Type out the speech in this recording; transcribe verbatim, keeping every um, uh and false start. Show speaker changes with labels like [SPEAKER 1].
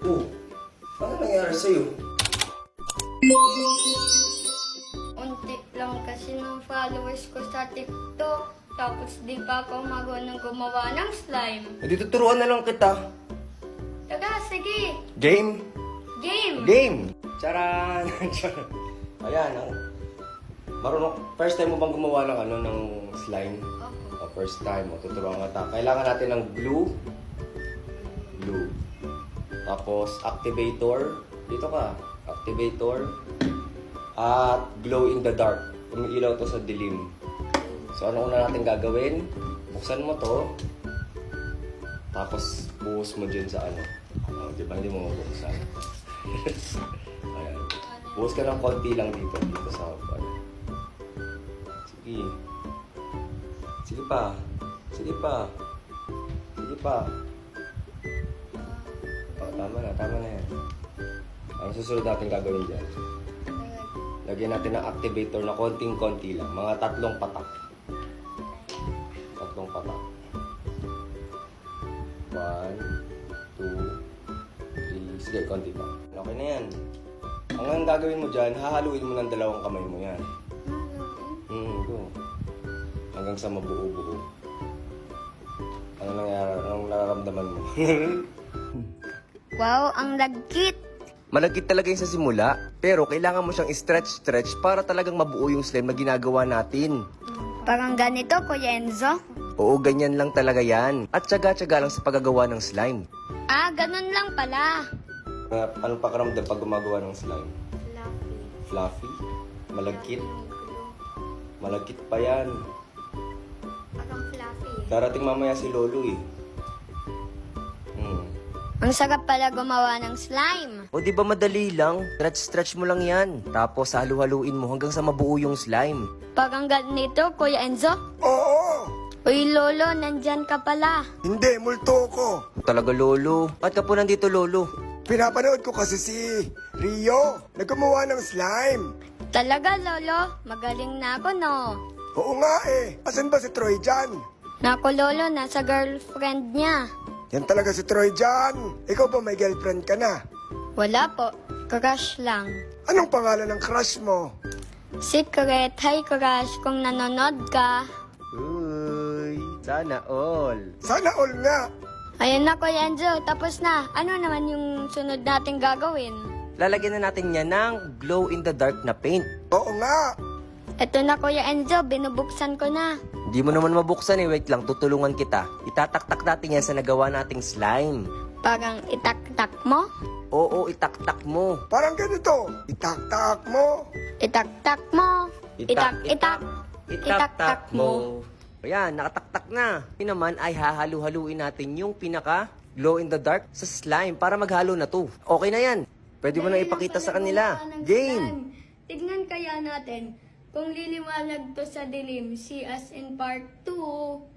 [SPEAKER 1] Oh, ano nangyari sa'yo?
[SPEAKER 2] Unti lang kasi ng followers ko sa TikTok. Tapos di pa ako marunong gumawa ng slime.
[SPEAKER 1] Hindi, tuturuan na lang kita.
[SPEAKER 2] Taga, sige.
[SPEAKER 1] Game?
[SPEAKER 2] Game!
[SPEAKER 1] Game! Charan! Charan. Ayan, ang... Marunong, first time mo bang gumawa ng ano, ng slime?
[SPEAKER 2] Opo.
[SPEAKER 1] O, first time mo, tuturuan ka ta. Kailangan natin ng glue. Glue. Tapos, activator. Dito ka. Activator. At glow in the dark. Umiilaw to sa dilim. So, ano una natin gagawin? Buksan mo to. Tapos, buhos mo dyan sa ano. Oh, di ba? Hindi mo mabuksan. Ayan. Buhos ka ng konti lang dito. Dito sa ano. Sige. Sige pa. Sige pa. Sige pa. Oh, tama na. Tama na yan. Ang susunod natin gagawin dyan. Lagyan natin ng activator na konting-konti lang. Mga tatlong patak. Tatlong patak. One, two, three. Sige, konti pa. Okay na yan. Ang gagawin mo dyan, hahaluin mo ng dalawang kamay mo yan. Hmm, go. Hanggang sa mabuo-buo. Ano nangyari? Anong nararamdaman mo?
[SPEAKER 2] Wow, ang lagkit!
[SPEAKER 1] Malagkit talaga yung sa simula, pero kailangan mo siyang stretch-stretch para talagang mabuo yung slime na ginagawa natin.
[SPEAKER 2] Parang ganito, Kuya Enzo.
[SPEAKER 1] Oo, ganyan lang talaga yan. At tsaga-tsaga lang sa paggagawa ng slime.
[SPEAKER 2] Ah, ganun lang pala.
[SPEAKER 1] Uh, anong pakaramdam pag gumagawa ng slime?
[SPEAKER 2] Fluffy.
[SPEAKER 1] Fluffy? Malagkit? Malagkit pa yan.
[SPEAKER 2] Parang fluffy.
[SPEAKER 1] Darating mamaya si Lolo eh. Hmm.
[SPEAKER 2] Ang sarap pala gumawa ng slime.
[SPEAKER 1] O di ba madali lang? Stretch-stretch mo lang yan. Tapos halu-haluin mo hanggang sa mabuo yung slime.
[SPEAKER 2] Parang ganito, Kuya Enzo.
[SPEAKER 3] Oo!
[SPEAKER 2] Uy, Lolo, nandyan ka pala.
[SPEAKER 3] Hindi, multo ko.
[SPEAKER 1] Talaga, Lolo. Ba't ka po nandito, Lolo?
[SPEAKER 3] Pinapanood ko kasi si Rio. Naggumawa ng slime.
[SPEAKER 2] Talaga, Lolo? Magaling na ako, no?
[SPEAKER 3] Oo nga eh. Asan ba si Troy dyan?
[SPEAKER 2] Naku, Lolo, nasa girlfriend niya.
[SPEAKER 3] Yan talaga si Troy dyan. Ikaw ba may girlfriend ka na?
[SPEAKER 2] Wala po. Crush lang.
[SPEAKER 3] Anong pangalan ng crush mo?
[SPEAKER 2] Secret. Hi, crush. Kung nanonood ka.
[SPEAKER 1] Uy, sana all.
[SPEAKER 3] Sana all nga.
[SPEAKER 2] Ayun na, Kuya Enzo. Tapos na. Ano naman yung sunod natin gagawin?
[SPEAKER 1] Lalagyan na natin niya ng glow-in-the-dark na paint.
[SPEAKER 3] Oo nga.
[SPEAKER 2] Ito na, Kuya Enzo. Binubuksan ko na.
[SPEAKER 1] Hindi mo naman mabuksan eh. Wait lang, tutulungan kita. Itataktak natin yan sa nagawa nating slime.
[SPEAKER 2] Parang itak-tak mo.
[SPEAKER 1] Oo, itaktak mo.
[SPEAKER 3] Parang ganito. Itak-tak mo.
[SPEAKER 2] Itak-tak mo. Itak-itak. Itak-tak mo.
[SPEAKER 1] Ayan, nakataktak na. Yun naman ay hahalu-haluin natin yung pinaka glow-in-the-dark sa slime para maghalo na to. Okay na yan. Pwede mo na ipakita sa kanila. Game!
[SPEAKER 2] Tignan kaya natin kung liliwanag to sa dilim. See us in part two.